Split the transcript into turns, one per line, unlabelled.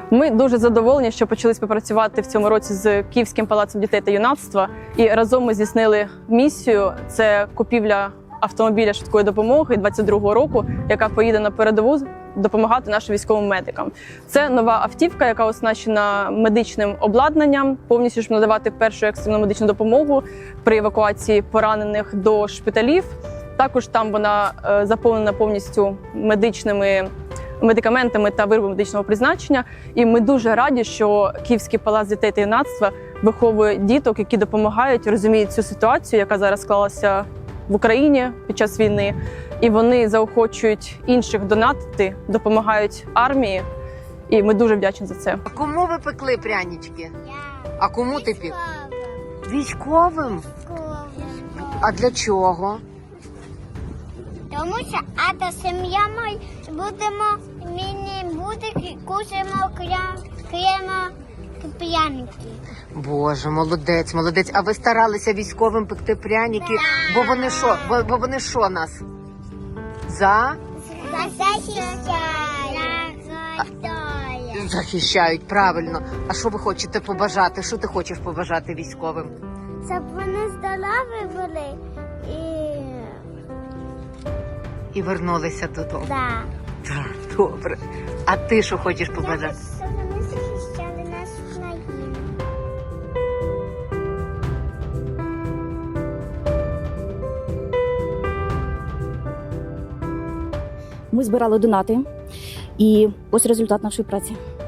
Ми дуже задоволені, що почали співпрацювати в цьому році з Київським палацом дітей та юнацтва. І разом ми здійснили місію – це купівля автомобіля швидкої допомоги 22-го року, яка поїде на передову допомагати нашим військовим медикам. Це нова автівка, яка оснащена медичним обладнанням, повністю ж надавати першу екстрену медичну допомогу при евакуації поранених до шпиталів. Також там вона заповнена повністю медичними медикаментами та виробами медичного призначення. І ми дуже раді, що Київський палац дітей та юнацтва виховує діток, які допомагають, розуміють цю ситуацію, яка зараз склалася в Україні під час війни. І вони заохочують інших донатити, допомагають армії. І ми дуже вдячні за це.
А кому ви пекли прянички? А кому ти пік? Військовим? А для чого?
Тому що сім'я ми будемо міні-будики, кушаємо пряники.
Боже, молодець, молодець. А ви старалися військовим пекти пряники?
Да.
Бо вони що нас? За? Захищають, правильно. А що ви хочете побажати? Що ти хочеш побажати військовим?
Щоб вони здорові були
І вернулися додому.
Да.
Так, добре. А ти що хочеш побажати?
Щоб вони захищали нашу країну.
Ми збирали донати, і ось результат нашої праці.